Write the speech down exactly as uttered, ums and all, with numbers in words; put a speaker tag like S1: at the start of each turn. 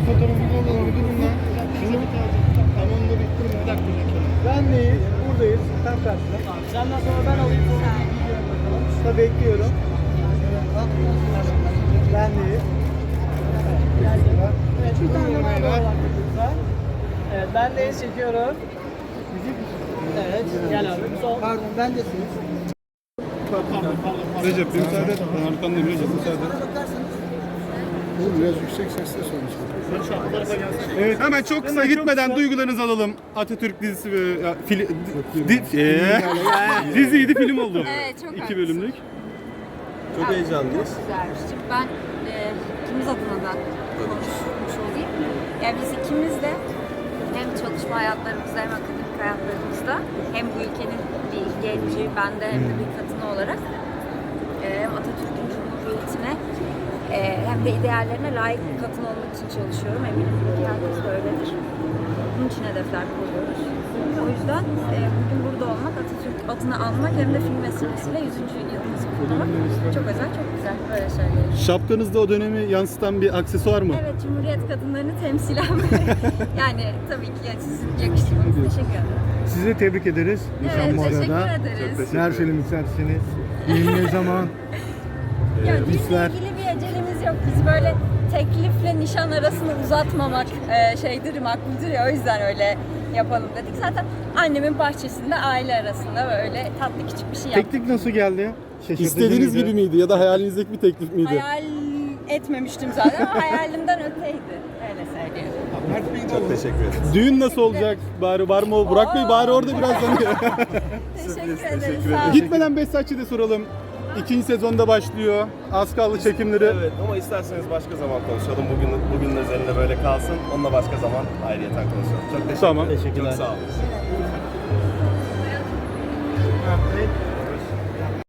S1: fotoğrafını alalım. Durun lan. Şunu tamam da bitti mi? Bir dakika. Bendeyiz. Buradayız. Tam karşıda.
S2: Senden sonra ben alayım.
S1: Tabii bekliyorum. Bendeyiz.
S2: Evet, bir tane daha var lütfen. Evet, ben de çekiyorum. Evet, gel abi. Sol.
S1: Pardon, bendesiniz.
S3: Recep bir müsaade et. Ben arkandayım Recep müsaade et.
S1: Oğlum biraz yüksek sesle sonuçta.
S3: Evet, hemen çok kısa gitmeden duygularınızı alalım. Atatürk dizisi ve ya, fili, di, di, eee, diziydi, film oldu.
S4: Evet, çok
S3: İki
S4: haklısın.
S3: bölümlük.
S5: Çok heyecanlıyız.
S4: Güzelmiş. Şimdi ben e, ikimiz adına da konuşmuş olayım. Yani biz ikimiz de hem çalışma hayatlarımızda hem akademik hayatlarımızda hem bu ülkenin bir genci, ben de hem de bir kadını olarak e, hem Atatürk'ün Cumhuriyeti'ne e, hem de ideallerine layık bir kadın olmak için çalışıyorum. Eminim ki herkes de öyledir. Bunun için hedefler koyuyoruz. O yüzden e, bugün burada olmak, Atatürk adını almak hem de film vesilesiyle yüzüncü yılımızı kutlamak çok özel, çok güzel. Böyle söyleyelim.
S3: Şapkanızda o dönemi yansıtan bir aksesuar mı?
S4: Evet, Cumhuriyet kadınlarını temsilen yani tabii ki sizin yakıştırmanız. Teşekkür ederim.
S1: Sizi de tebrik ederiz. Nişan
S4: Evet,
S1: bu
S4: teşekkür
S1: arada.
S4: ederiz.
S1: Neler söylemek istersiniz? Düğün ne zaman?
S4: Ya
S1: Ee,
S4: düğünle
S1: hisler.
S4: ilgili bir acelemiz yok. Biz böyle teklifle nişan arasını uzatmamak e, şeydir, makbuldür ya, o yüzden öyle yapalım dedik. Zaten annemin bahçesinde aile arasında böyle tatlı küçük bir şey yaptık.
S1: Teklif nasıl geldi? Şaşırtıcı
S3: İstediğiniz
S1: mıydı?
S3: gibi miydi ya da hayalinizdeki bir teklif miydi?
S4: Hayal etmemiştim zaten ama hayalimden öteydi. Öyle söyleyeyim.
S5: Çok teşekkür ederiz.
S3: Düğün nasıl olacak? Bari var mı? o? Burak Bey bari orada biraz hani.
S4: Teşekkür
S5: teşekkür
S4: ederiz.
S5: ederim.
S4: Sağ olun.
S3: Gitmeden Behzatçı da soralım. İkinci sezonda başlıyor. Az kaldı çekimleri.
S5: Evet ama isterseniz başka zaman konuşalım. Bugün bugün özelinde böyle kalsın. Onunla başka zaman ayrıyeten konuşalım. Çok teşekkür
S3: Tamam.
S5: ederim. Çok sağ olun.
S1: Evet.